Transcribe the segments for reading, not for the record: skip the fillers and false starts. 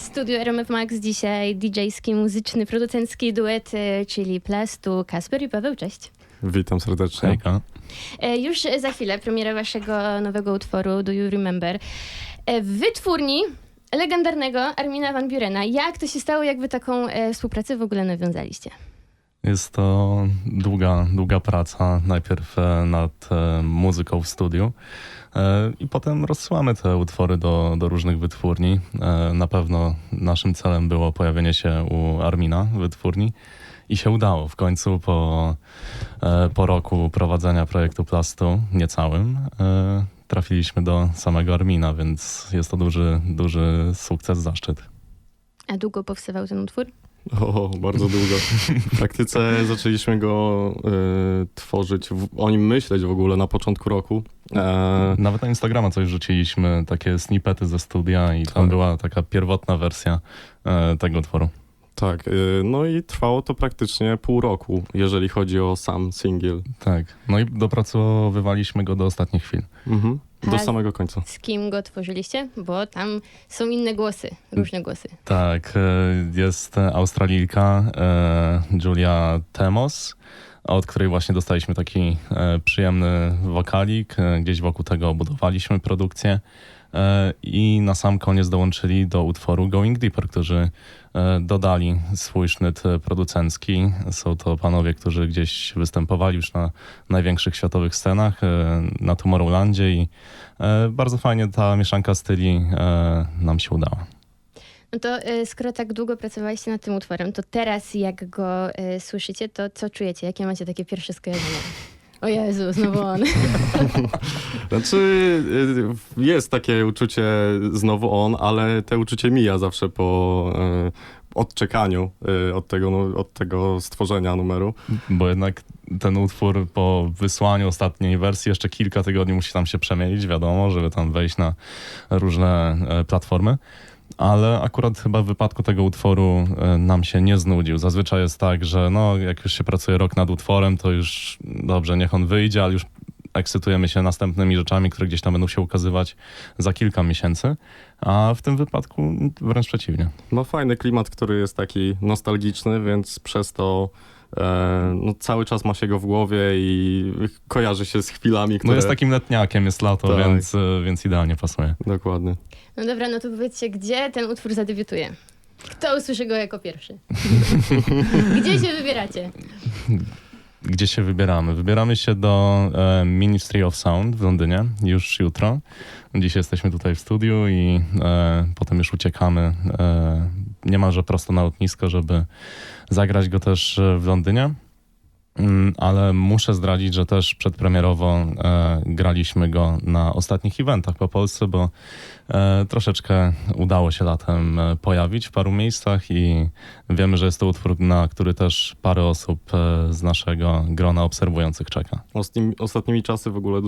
studiu RMF Max dzisiaj DJ-ski, muzyczny, producencki duet, czyli Plastu, Kasper i Paweł, cześć. Witam serdecznie. Hejka. Już za chwilę premiera waszego nowego utworu Do You Remember w wytwórni legendarnego Armina van Burena. Jak to się stało, jak wy taką współpracę w ogóle nawiązaliście? Jest to długa praca. Najpierw nad muzyką w studiu i potem rozsyłamy te utwory do różnych wytwórni. Na pewno naszym celem było pojawienie się u Armina w wytwórni i się udało. W końcu po roku prowadzenia projektu Plastu, niecałym, trafiliśmy do samego Armina, więc jest to duży sukces, zaszczyt. A długo powstawał ten utwór? O, bardzo długo. W praktyce zaczęliśmy go tworzyć, o nim myśleć w ogóle na początku roku. Nawet na Instagrama coś rzuciliśmy, takie snippety ze studia i tam była taka pierwotna wersja tego utworu. Tak, no i trwało to praktycznie pół roku, jeżeli chodzi o sam singiel. Tak, no i dopracowywaliśmy go do ostatnich chwil. Mhm. Do A samego końca. z kim go tworzyliście? Bo tam są inne głosy, różne głosy. Tak, jest Australijka Julia Temos, od której właśnie dostaliśmy taki przyjemny wokalik. Gdzieś wokół tego budowaliśmy produkcję. I na sam koniec dołączyli do utworu Going Deeper, którzy dodali swój sznyt producencki. Są to panowie, którzy gdzieś występowali już na największych światowych scenach, na Tomorrowlandzie i bardzo fajnie ta mieszanka styli nam się udała. No to skoro tak długo pracowaliście nad tym utworem, to teraz jak go słyszycie, to co czujecie? Jakie macie takie pierwsze skojarzenia? O Jezu, znowu on. Znaczy, jest takie uczucie znowu on, ale te uczucie mija zawsze po odczekaniu od tego stworzenia numeru. Bo jednak ten utwór po wysłaniu ostatniej wersji jeszcze kilka tygodni musi tam się przemielić, wiadomo, żeby tam wejść na różne platformy. Ale akurat chyba w wypadku tego utworu nam się nie znudził. Zazwyczaj jest tak, że no, jak już się pracuje rok nad utworem, to już dobrze, niech on wyjdzie, ale już ekscytujemy się następnymi rzeczami, które gdzieś tam będą się ukazywać za kilka miesięcy. A w tym wypadku wręcz przeciwnie. Ma fajny klimat, który jest taki nostalgiczny, więc przez to no, cały czas ma się go w głowie i kojarzy się z chwilami, które... No jest takim letniakiem, jest lato, Tak. więc idealnie pasuje. Dokładnie. No dobra, no to powiedzcie, gdzie ten utwór zadebiutuje? Kto usłyszy go jako pierwszy? Gdzie się wybieracie? Gdzie się wybieramy? Wybieramy się do Ministry of Sound w Londynie już jutro. Dziś jesteśmy tutaj w studiu i potem już uciekamy niemalże prosto na lotnisko, żeby zagrać go też w Londynie. Ale muszę zdradzić, że też przedpremierowo graliśmy go na ostatnich eventach po Polsce, bo troszeczkę udało się latem pojawić w paru miejscach i wiemy, że jest to utwór, na który też parę osób z naszego grona obserwujących czeka. Ostatnimi czasy w ogóle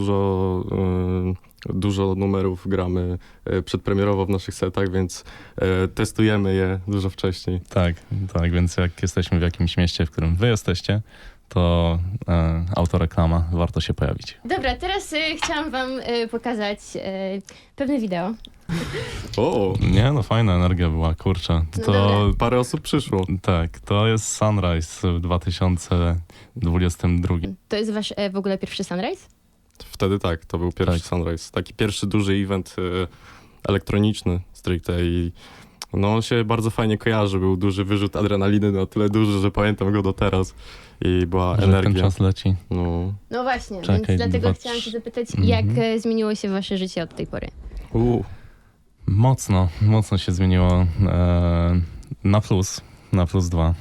dużo numerów gramy przedpremierowo w naszych setach, więc testujemy je dużo wcześniej. Tak, więc jak jesteśmy w jakimś mieście, w którym wy jesteście, to autoreklama, warto się pojawić. Dobra, teraz chciałam wam pokazać pewne wideo. O, Nie, no fajna energia była, kurczę. No To dobra. parę osób przyszło. tak, to jest Sunrise w 2022. To jest wasz w ogóle pierwszy Sunrise? Wtedy tak, to był pierwszy Tak. Sunrise. Taki pierwszy duży event elektroniczny stricte i no on się bardzo fajnie kojarzy. Był duży wyrzut adrenaliny, na tyle duży, że pamiętam go do teraz i była Że ten energia. czas leci. No. No właśnie, Czekaj, więc dlatego 2, chciałam się zapytać, 3. jak zmieniło się wasze życie od tej pory? Mocno się zmieniło na plus 2.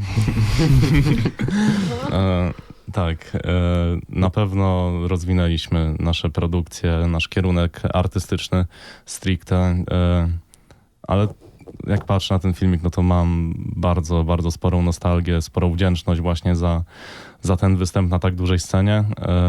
Tak, na pewno rozwinęliśmy nasze produkcje, nasz kierunek artystyczny stricte, ale jak patrzę na ten filmik, no to mam bardzo sporą nostalgię, sporą wdzięczność właśnie za ten występ na tak dużej scenie.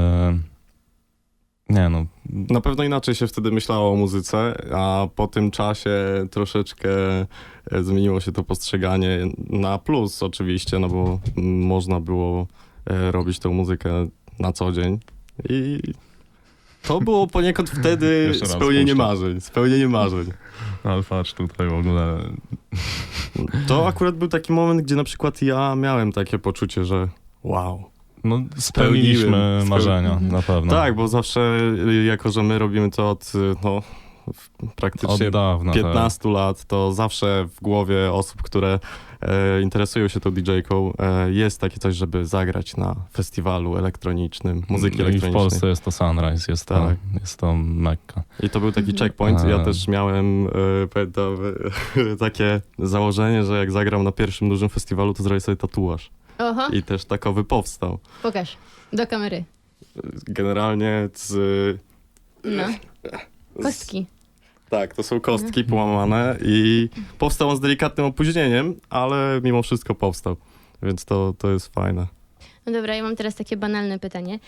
Nie no. Na pewno inaczej się wtedy myślało o muzyce, a po tym czasie troszeczkę zmieniło się to postrzeganie na plus oczywiście, no bo można było robić tą muzykę na co dzień i to było poniekąd wtedy Jeszcze raz spełnienie puszczę. marzeń, spełnienie marzeń. Ale patrz tutaj w ogóle To akurat był taki moment, gdzie na przykład ja miałem takie poczucie, że wow. No, spełniliśmy marzenia, na pewno. Tak, bo zawsze, jako że my robimy to od praktycznie Od dawna, 15 lat, to zawsze w głowie osób, które interesują się tą DJ-ką, jest takie coś, żeby zagrać na festiwalu elektronicznym, muzyki I w elektronicznej. Polsce jest to Sunrise, Tak. jest to Mekka. I to był taki checkpoint. Ja A. też miałem, pamiętam, takie założenie, że jak zagram na pierwszym dużym festiwalu, to zrobię sobie tatuaż. Oho, I też takowy powstał. pokaż. Do kamery. Generalnie No. Kostki. Tak, to są kostki połamane i powstał on z delikatnym opóźnieniem, ale mimo wszystko powstał, więc to jest fajne. No dobra, ja mam teraz takie banalne pytanie.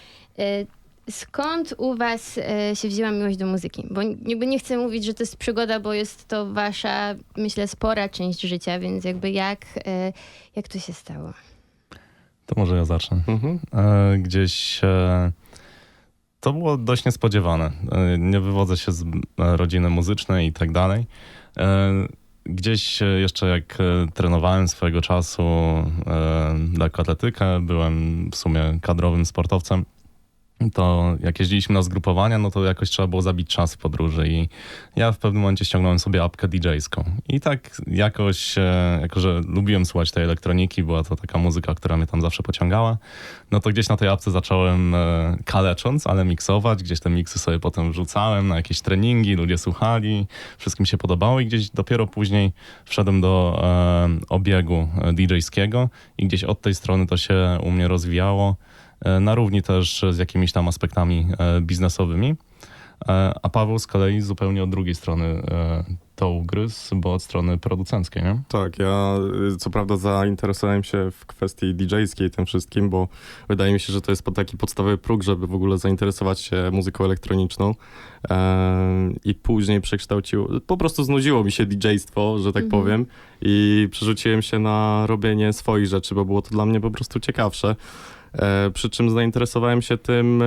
Skąd u was się wzięła miłość do muzyki? Bo jakby nie chcę mówić, że to jest przygoda, bo jest to wasza, myślę, spora część życia, więc jakby jak to się stało? To może ja zacznę. Mhm. Gdzieś to było dość niespodziewane. Nie wywodzę się z rodziny muzycznej i tak dalej. Gdzieś jeszcze jak trenowałem swojego czasu lekkoatletykę, byłem w sumie kadrowym sportowcem, to jak jeździliśmy na zgrupowania, no to jakoś trzeba było zabić czas w podróży i ja w pewnym momencie ściągnąłem sobie apkę DJ-ską. I tak jakoś, jako że lubiłem słuchać tej elektroniki, była to taka muzyka, która mnie tam zawsze pociągała, no to gdzieś na tej apce zacząłem kalecząc, ale miksować, gdzieś te miksy sobie potem wrzucałem na jakieś treningi, ludzie słuchali, wszystkim się podobało i gdzieś dopiero później wszedłem do obiegu DJ-skiego i gdzieś od tej strony to się u mnie rozwijało. Na równi też z jakimiś tam aspektami biznesowymi. A Paweł z kolei zupełnie od drugiej strony to ugryzł, bo od strony producenckiej, nie? Tak, ja co prawda zainteresowałem się w kwestii DJ-skiej tym wszystkim, bo wydaje mi się, że to jest taki podstawowy próg, żeby w ogóle zainteresować się muzyką elektroniczną. I później po prostu znudziło mi się DJ-stwo, że tak powiem, i przerzuciłem się na robienie swoich rzeczy, bo było to dla mnie po prostu ciekawsze. Przy czym zainteresowałem się tym,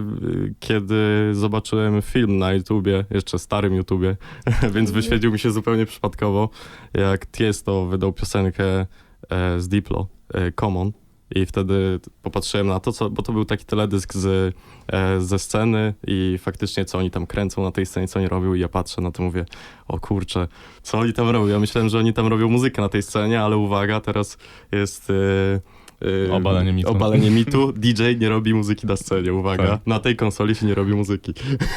kiedy zobaczyłem film na YouTubie, jeszcze starym YouTubie, więc wyświetlił mi się zupełnie przypadkowo, jak Tiesto wydał piosenkę z Diplo, Common. I wtedy popatrzyłem na to, bo to był taki teledysk ze sceny i faktycznie co oni tam kręcą na tej scenie, co oni robią i ja patrzę na to, mówię, o kurczę, co oni tam robią? Ja myślałem, że oni tam robią muzykę na tej scenie, ale uwaga, teraz jest... Obalenie mitu. Obalenie mitu. DJ nie robi muzyki na scenie, uwaga. Tak. Na tej konsoli się nie robi muzyki.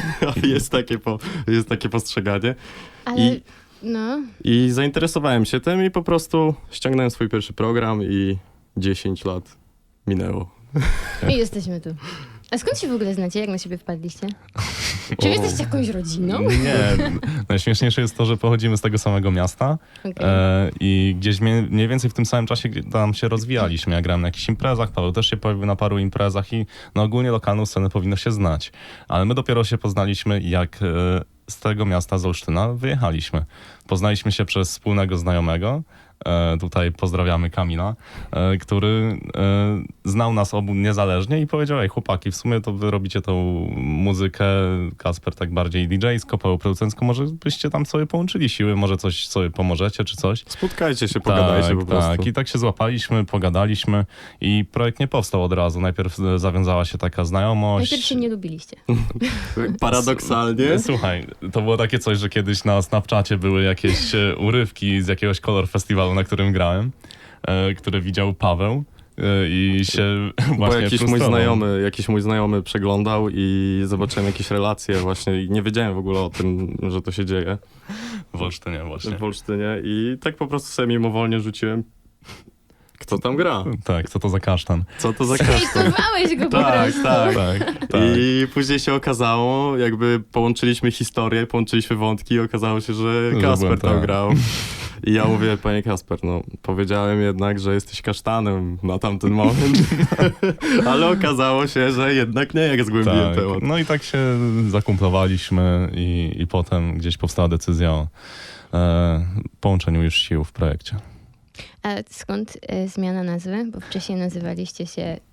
jest takie postrzeganie. Ale, no... I zainteresowałem się tym i po prostu ściągnąłem swój pierwszy program i 10 lat minęło. I jesteśmy tu. A skąd się w ogóle znacie? Jak na siebie wpadliście? Czy wy jesteście jakąś rodziną? Nie, najśmieszniejsze jest to, że pochodzimy z tego samego miasta Okay. i gdzieś mniej więcej w tym samym czasie tam się rozwijaliśmy. Ja grałem na jakichś imprezach, Paweł też się pojawił na paru imprezach i no ogólnie lokalną scenę powinno się znać. Ale my dopiero się poznaliśmy, jak z tego miasta, z Olsztyna, wyjechaliśmy. Poznaliśmy się przez wspólnego znajomego. Tutaj pozdrawiamy Kamila, który znał nas obu niezależnie i powiedział, ej chłopaki, w sumie to wy robicie tą muzykę, Kasper tak bardziej DJ-sko, Paweł producencko, może byście tam sobie połączyli siły, może coś sobie pomożecie czy coś. Spotkajcie się, pogadajcie po prostu. Tak, i tak się złapaliśmy, pogadaliśmy i projekt nie powstał od razu. Najpierw zawiązała się taka znajomość. Najpierw się nie lubiliście. Paradoksalnie. Słuchaj, to było takie coś, że kiedyś na Snapchacie były jakieś urywki z jakiegoś Color Festiwalu, na którym grałem, które widział Paweł i się Bo właśnie jakiś mój znajomy przeglądał i zobaczyłem jakieś relacje właśnie i nie wiedziałem w ogóle o tym, że to się dzieje w Olsztynie właśnie. w Olsztynie i tak po prostu sobie mimowolnie rzuciłem, kto tam gra, Tak, co to za kasztan. co to za kasztan. Hejtowałeś go po Tak, prostu. Tak. I później się okazało, jakby połączyliśmy historię, połączyliśmy wątki i okazało się, że Że Kasper byłem tam tak. grał. I ja mówię, panie Kasper, no powiedziałem jednak, że jesteś kasztanem na tamten moment, ale okazało się, że jednak nie, jak zgłębiłem Tak. temat. No i tak się zakumplowaliśmy i potem gdzieś powstała decyzja o połączeniu już sił w projekcie. A skąd zmiana nazwy? Bo wcześniej nazywaliście się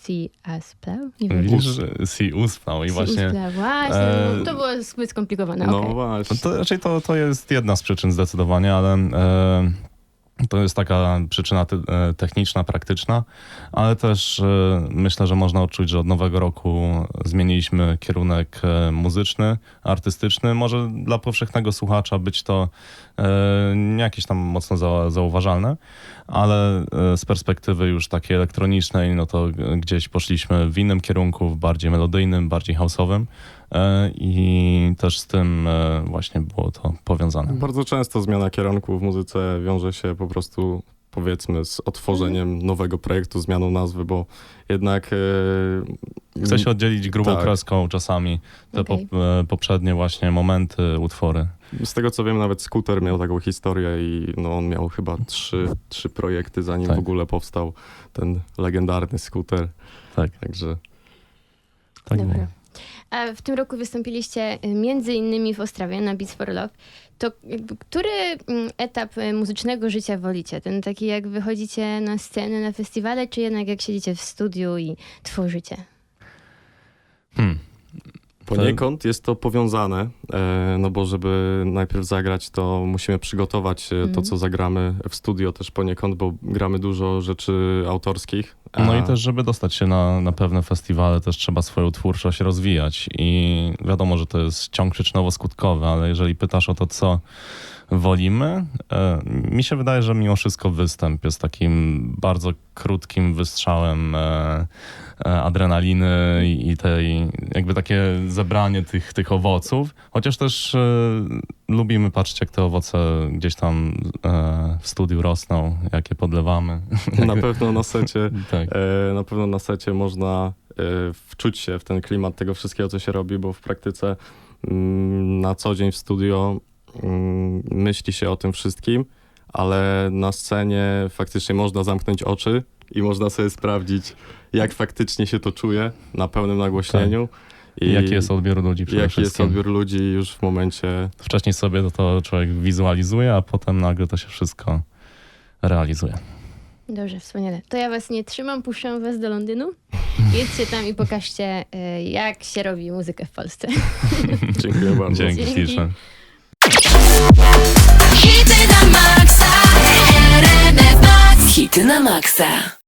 Si Asplał? Nie wiem. Widzisz, Si Usplał i Si właśnie... Usplał, właśnie. e, To było zbyt skomplikowane, No okej. właśnie. To raczej to jest jedna z przyczyn zdecydowanie, ale to jest taka przyczyna techniczna, praktyczna, ale też myślę, że można odczuć, że od nowego roku zmieniliśmy kierunek muzyczny, artystyczny. Może dla powszechnego słuchacza być to nie jakieś tam mocno zauważalne, ale z perspektywy już takiej elektronicznej, no to gdzieś poszliśmy w innym kierunku, w bardziej melodyjnym, bardziej house'owym. I też z tym właśnie było to powiązane. Bardzo często zmiana kierunku w muzyce wiąże się po prostu, powiedzmy, z otworzeniem nowego projektu, zmianą nazwy, bo jednak... Chce się oddzielić grubą Tak. kreską czasami te Okej. poprzednie właśnie momenty, utwory. Z tego co wiem, nawet Scooter miał taką historię i no, on miał chyba trzy projekty, zanim Tak. w ogóle powstał ten legendarny Scooter. Tak, Także tak Dobra. było. A w tym roku wystąpiliście między innymi w Ostrawie na Beats for Love. To jakby, który etap muzycznego życia wolicie? Ten taki jak wychodzicie na scenę, na festiwale, czy jednak jak siedzicie w studiu i tworzycie? poniekąd jest to powiązane, no bo żeby najpierw zagrać, to musimy przygotować to, co zagramy w studio też poniekąd, bo gramy dużo rzeczy autorskich. No i też, żeby dostać się na pewne festiwale, też trzeba swoją twórczość rozwijać. I wiadomo, że to jest ciąg przyczynowo-skutkowy, ale jeżeli pytasz o to, co wolimy, mi się wydaje, że mimo wszystko występ jest takim bardzo krótkim wystrzałem adrenaliny i tej, jakby takie zebranie tych owoców. Chociaż też lubimy patrzeć, jak te owoce gdzieś tam w studiu rosną, jakie podlewamy. Na pewno na secie, Tak. na pewno na secie można wczuć się w ten klimat tego wszystkiego, co się robi, bo w praktyce na co dzień w studio myśli się o tym wszystkim, ale na scenie faktycznie można zamknąć oczy i można sobie sprawdzić, jak faktycznie się to czuje na pełnym nagłośnieniu. I jaki jest odbiór ludzi przede Jaki jest wszystkim. odbiór ludzi już w momencie... Wcześniej sobie to człowiek wizualizuje, a potem nagle to się wszystko realizuje. Dobrze, wspaniale. To ja was nie trzymam, puszczam was do Londynu. Jedźcie tam i pokażcie, jak się robi muzykę w Polsce. Dziękuję bardzo. Dzięki Dzięki. śliczne. Hity na maksa, RMF Max. Hity na maksa.